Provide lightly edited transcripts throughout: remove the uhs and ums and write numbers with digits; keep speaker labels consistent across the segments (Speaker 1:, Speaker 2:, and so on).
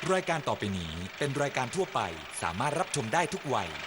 Speaker 1: รายการต่อไปนี้เป็นรายการทั่วไปสามารถรับชมได้ทุกวัย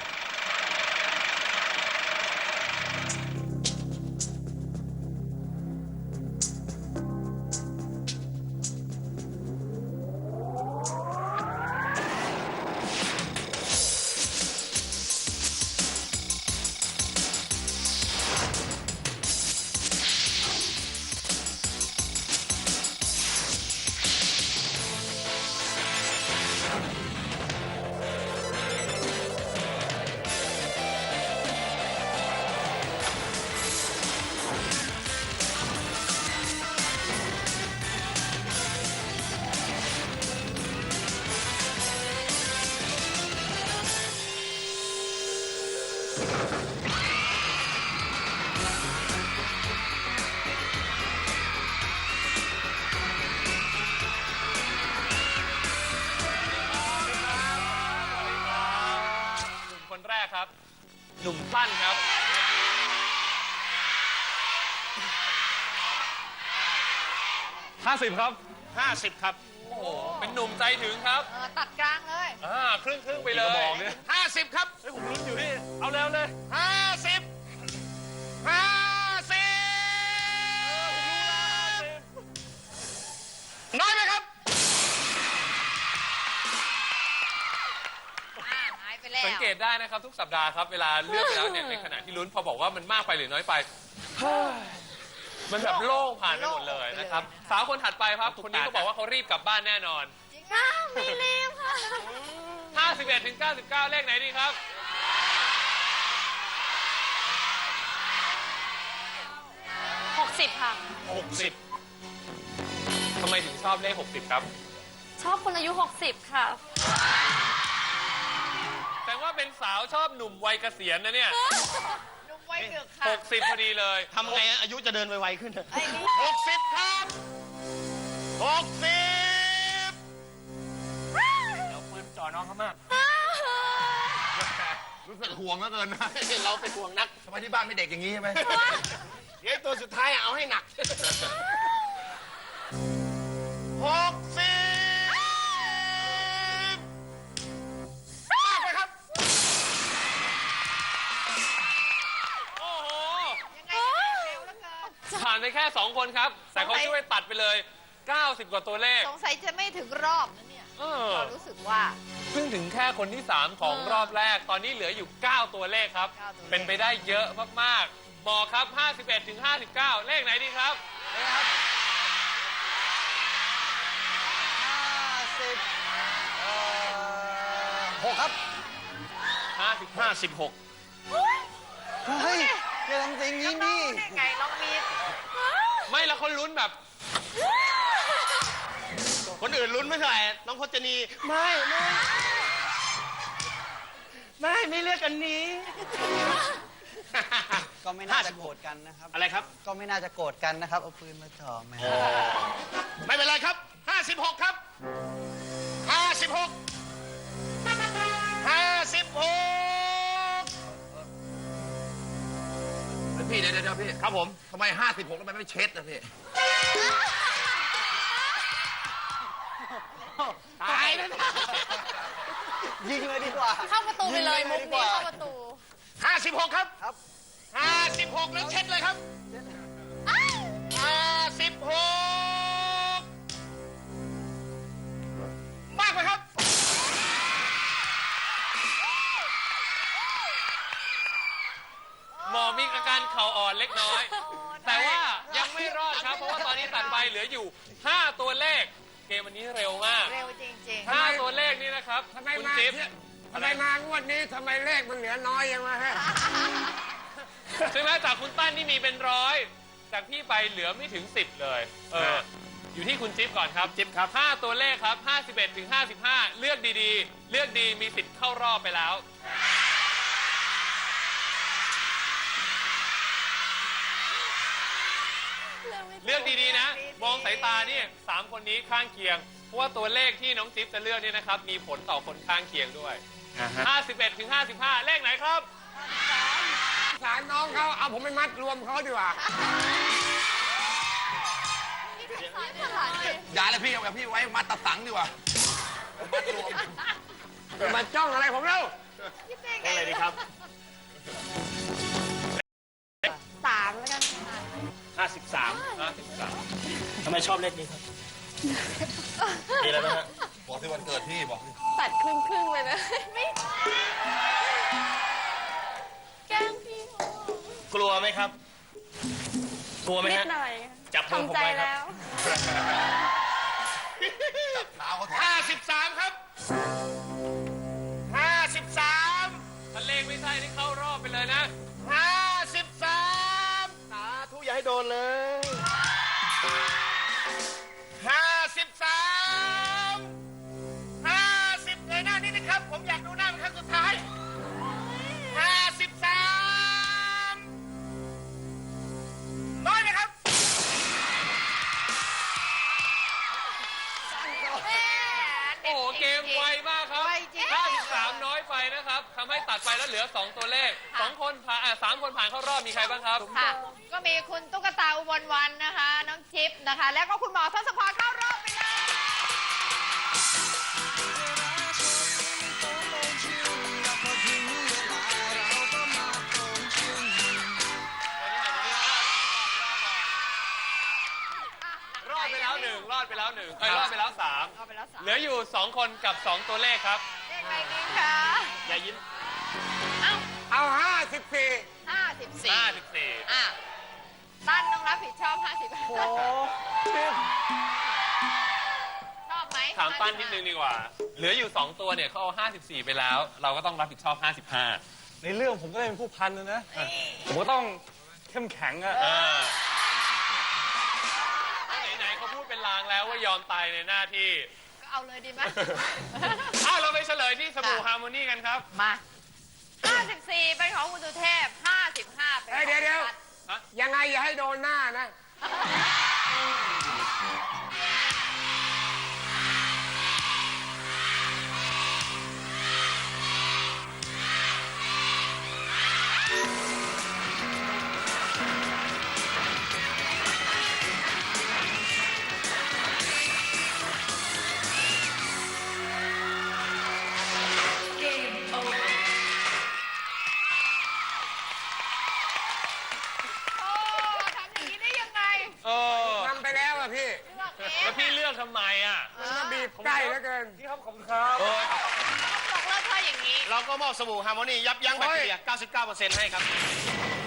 Speaker 2: คนแรกครับหนุ่มสั้นครับ50ครับ50ครับโอ้โหเป็นหนุ่มใจถึงครับ
Speaker 3: ตัดกลางเลย
Speaker 2: ครึ่งไปเลยบอกเนี่ย50ครับเฮ้ยผมลุ้นอยู่นี่เอาแล้วเลย50น้อยไหมครับ
Speaker 3: หายไปแล้ว
Speaker 2: สังเกตได้นะครับทุกสัปดาห์ครับเวลาเลือกไปแล้วเนี่ยในขณะที่ลุ้นพอบอกว่ามันมากไปหรือน้อยไปมันแบบโล่งผ่านไปหมดเลยนะครับสาวคนถัดไปครับคนนี้ก็บอกว่าเขารีบกลับบ้านแน่นอน
Speaker 3: จริงค่ะไม่รีบค่ะ
Speaker 2: 51 ถึง 99เลขไหนดีครับ
Speaker 3: 60ค่ะ
Speaker 2: 60ทำไมถึงชอบเลข60ครับ
Speaker 3: ชอบคนอายุ60ค่ะ
Speaker 2: แต่ว่าเป็นสาวชอบหนุ่มวัยเกษียณนะเนี่ย
Speaker 3: หนุ่มวัยเกือบค่ะ
Speaker 2: 60พอดีเลย
Speaker 4: ทำไงอายุจะเดินไวๆขึ้น
Speaker 2: 60ครับ60เราปืนจ่อน้องเขามาก
Speaker 4: รู้สึกห่วงเหลือเกินนะ
Speaker 2: เราเป็นห่วงนัก
Speaker 4: ทำไมที่บ้านไม่เด็กอย่างนี้ใช่ไหม
Speaker 2: เดี๋ยวตัวสุดท้ายเอาให้หนักผ่านไปแค่2คนครับแต่เขาช่วยตัดไปเลย90กว่าตัวเลข
Speaker 3: สงสัยจะไม่ถึงรอบนะเนี่ยเรารู้สึกว่า
Speaker 2: เพิ่งถึงแค่คนที่3ของรอบแรกตอนนี้เหลืออยู่9ตัวเลขครับเป็นไปได้เยอะมากๆบอกครับ51 ถึง 59เลขไหนดีครับ
Speaker 4: 6ครับ
Speaker 2: 56
Speaker 4: เฮ้ยอย่าทำสิ่งนี้นี่
Speaker 3: ไงน้องมีด
Speaker 2: ไม่แล้วคนลุ้นแบบคนอื่นลุ้นไม่เท่าไหร่น้องพจนี
Speaker 4: ไม่เลือกกันนี้ก็ไม่น่าจะโกรธกันนะครับ
Speaker 2: อะไรครับ
Speaker 4: ก็ไม่น่าจะโกรธกันนะครับเอาปืนมาจ่อแม่
Speaker 2: ไม่เป็นไรครับ56ครับ56
Speaker 4: พี่เดี๋ยวพี่
Speaker 2: ครับผม
Speaker 4: ทำไม56แล้วมันไม่เช็ดนะพี่
Speaker 2: ตายแล้วนะ
Speaker 4: ยิงเลยดีกว่า
Speaker 3: เข้าประตูไปเลยมุกนี้เข้าประตู
Speaker 2: 56ครับ56แล้วเช็ดเลยครับ56มากไหมครับหมอมีอาการเข่าอ่อนเล็กน้อยแต่ว่ายังไม่รอดครับเพราะว่าตอนนี้ตัดไปเหลืออยู่5ตัวเลขเกมวันนี้เร็วมาก
Speaker 3: เร็วจริง
Speaker 2: ๆ5ตัวเลขนี่นะครับ
Speaker 5: ทำไมมางวดนี้ทำไมเลขมันเหลือน้อยยังไงฮะ
Speaker 2: ใช่ไหมจากคุณตั้นนี่มีเป็น100จากพี่ไปเหลือไม่ถึง10เลยอยู่ที่คุณจิ๊บก่อนครับจิ๊บครับ5ตัวเลขครับ51 ถึง 55เลือกดีๆเลือกดีมีสิทธิ์เข้ารอบไปแล้วเลือกดีๆนะมองสายตานี่3คนนี้ข้างเคียงเพราะว่าตัวเลขที่น้องจิ๊บจะเลือกนี่นะครับมีผลต่อคนข้างเคียงด้วย51 ถึง 55เลขไหนครับ
Speaker 5: สารน้องเขาเอาผมไปมัดรวมเขาดีกว่า
Speaker 4: อย่าเลยพี่เอากับพี่ไว้มัดตะสังดีกว่า
Speaker 5: มาจ้องอะไรผมเล่า
Speaker 3: คิดได้ไง
Speaker 2: อะไรดีครับ
Speaker 3: 3แล้วกันค่ะ
Speaker 2: 53
Speaker 6: ทำไมชอบเลขนี้ครับ มีอะไรบ้างฮะ
Speaker 4: บอกที่วันเกิดพี่บอก
Speaker 3: ตัดครึ่งๆเลยนะ ไม่แกล้งพี่
Speaker 6: กลัวไหมครับ กลัวไหม
Speaker 3: นิด
Speaker 6: ฮะ
Speaker 3: หน่อย
Speaker 6: จับมือผมไว้ครับ
Speaker 4: เท้าเขาแทง
Speaker 2: 53 ครับ 53 ถ้าเลขไม่ใช่นี่เข้ารอบไปเลยนะ 53
Speaker 6: สาธุอย่าให้โดนเลย
Speaker 2: 53 50เลยหน้านี้นะครับ ผมอยากดูหน้าเป็นครั้งสุดท้าย 53 น้อยไหมครับ โอ้โห เกมไวมากครับ
Speaker 3: ไวจริง
Speaker 2: 53 น้อยไปนะครับทำให้ตัดไปแล้วเหลือ 2 ตัวเลข 2 คนผ่าน3 คนผ่านเข้ารอบ มีใครบ้างครับ
Speaker 3: ค่ะ ก็มีคุณตุ๊กตาอุบลวันนะคะ น้องจิ๊บนะคะ แล้วก็คุณหมอทศพรเข้ารอบไปเลย
Speaker 2: รอดไปแล้ว 1 รอดไปแล้ว 1 รอดไปแล้ว
Speaker 3: เอาไปแล้ว
Speaker 2: 3 เหลืออยู่ 2 คนกับ 2 ตัวเลขครับ
Speaker 3: เลขอะไรดีคะ
Speaker 2: อย่ายิ้ม
Speaker 3: เอ้า
Speaker 5: เอา 54
Speaker 3: 54อ่ะตั้นต้องรับผิดชอบ55ชอบไหม
Speaker 2: ถามปั้นนิดนึงดีกว่า เหลืออยู่ 2 ตัวเนี่ยเขาเอา 54 ไปแล้ว เราก็ต้องรับผิดชอบ 55
Speaker 7: ในเรื่องผมก็เป็นผู้พันนะ ผมก็ต้องเข้มแข็งอะ
Speaker 2: ไหนๆเขาพูดเป็นลางแล้วว่ายอมตายในหน้าที่
Speaker 3: ก็เอาเลยดีไหม
Speaker 2: เราไปเฉลยที่สบู่ฮาร์โมนีกันครับ
Speaker 3: มา54เป็นของคุณสุเทพ55เป็นของ
Speaker 5: เดี๋ยว
Speaker 3: คุณพัด
Speaker 5: ยังไงอย่าให้โดนหน้านะ
Speaker 3: โอ้ทำอย่างนี้ได้ยังไง
Speaker 2: เออ
Speaker 5: ทำไปแล้วอะพี่
Speaker 3: เลือกเอง
Speaker 2: แล้วพี่เลือกทำไมอ่ะ
Speaker 5: มันมาบีบใกล้เหลือเกิน
Speaker 7: พี่ครับขอบคุณครับ
Speaker 3: บอกเลิกเธออย่างนี้
Speaker 6: เราก็มอบสบู่ฮาร์โมนียับยั้งแบคทีเรีย 99% ให้ครับ